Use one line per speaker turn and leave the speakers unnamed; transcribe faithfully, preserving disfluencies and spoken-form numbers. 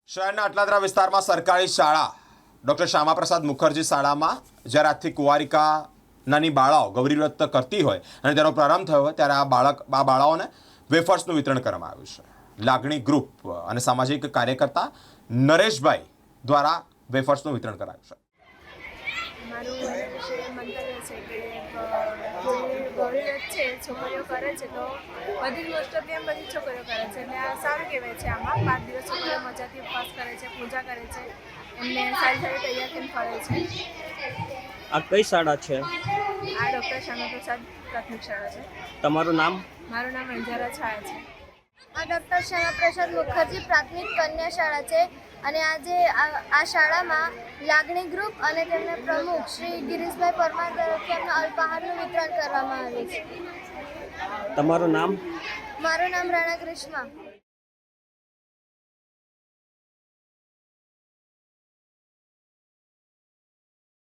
શહેરના અટલાદરા વિસ્તારમાં સરકારી શાળા ડૉક્ટર શ્યામાપ્રસાદ મુખર્જી શાળામાં જ્યારે આજથી કુંવારિકા નાની બાળાઓ ગૌરીવ્રત કરતી હોય અને તેનો પ્રારંભ થયો હોય ત્યારે આ બાળક આ બાળાઓને વેફર્સનું વિતરણ કરવામાં આવ્યું છે। લાગણી ગ્રુપ અને સામાજિક કાર્યકર્તા નરેશભાઈ દ્વારા વેફર્સનું વિતરણ કરાયું છે।
મારું એના વિશે મંતવ્ય છે કે ગૌરીવ્રત છે છોકરીઓ કરે છે તો બધી જ મોસ્ટ ઓફ એમ બધી છોકરીઓ કરે છે એટલે આ સારું કહેવાય છે। આમાં પાંચ દિવસ છોકરીઓ મજાથી ઉપવાસ કરે છે, પૂજા કરે છે, એમને સારી સારી તૈયાર થઈને ફરે છે।
આ કઈ શાળા છે?
આ ડૉક્ટર શ્યામાપ્રસાદ પ્રાથમિક શાળા છે।
તમારું નામ?
મારું નામ અંજારા છાયા છે।
આ ડૉક્ટર શ્યામાપ્રસાદ મુખર્જી પ્રાથમિક કન્યા શાળા છે અને આજે આ શાળામાં લાગણી ગ્રુપ અને તેમના પ્રમુખ શ્રી ગિરીશભાઈ પરમાર તરફથી અમને અલ્પાહારનું વિતરણ કરવામાં આવ્યું છે।
તમારું નામ?
મારું નામ રાણા ગ્રીષ્મા।